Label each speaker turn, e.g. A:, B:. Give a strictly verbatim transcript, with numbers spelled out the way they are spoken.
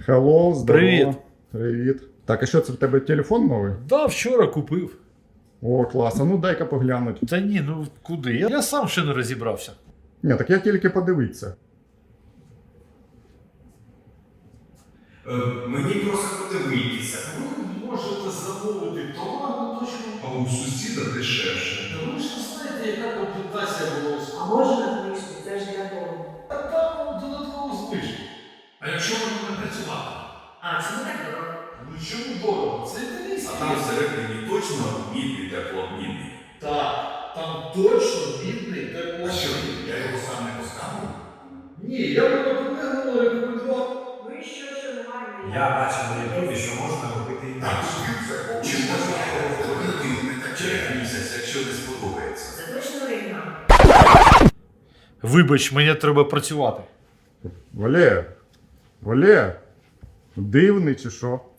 A: Hello, здорово.
B: Привіт.
A: Привіт. Так, а що це в тебе телефон новий?
B: Да, вчора купив.
A: О, клас. А ну дай-ка поглянути.
B: Та ні, ну куди? Я, я сам ще не розібрався.
A: Ні, так я тільки подивитися.
C: Е, мені просто подивитися.
B: Ви можете замовити товар на точку.
C: А у сусіда дешевше.
B: Та ви ж не знаєте, яка комплектація волос.
D: А можна книжку? Це ж для дому.
B: А там додатково знижки.
C: А якщо воно не працювати?
D: А, це не так дорого.
B: Ну чому дорого? Це італійський.
C: А там всередині точно мідний теплообмінник.
B: Так, там точно мідний
C: А
B: тепло.
C: що, я його сам не поставив?
B: Ні, я би наприклад рекомендував.
D: Ну і що, що немає?
E: Я бачив на ютубі, що можна робити
C: Так,
E: інакше.
C: чи можна його входити не так через місяць, якщо не сподобається?
D: Це точно оригінал?
B: Вибач, мені треба працювати.
A: Валер, Валер, дивний чи що?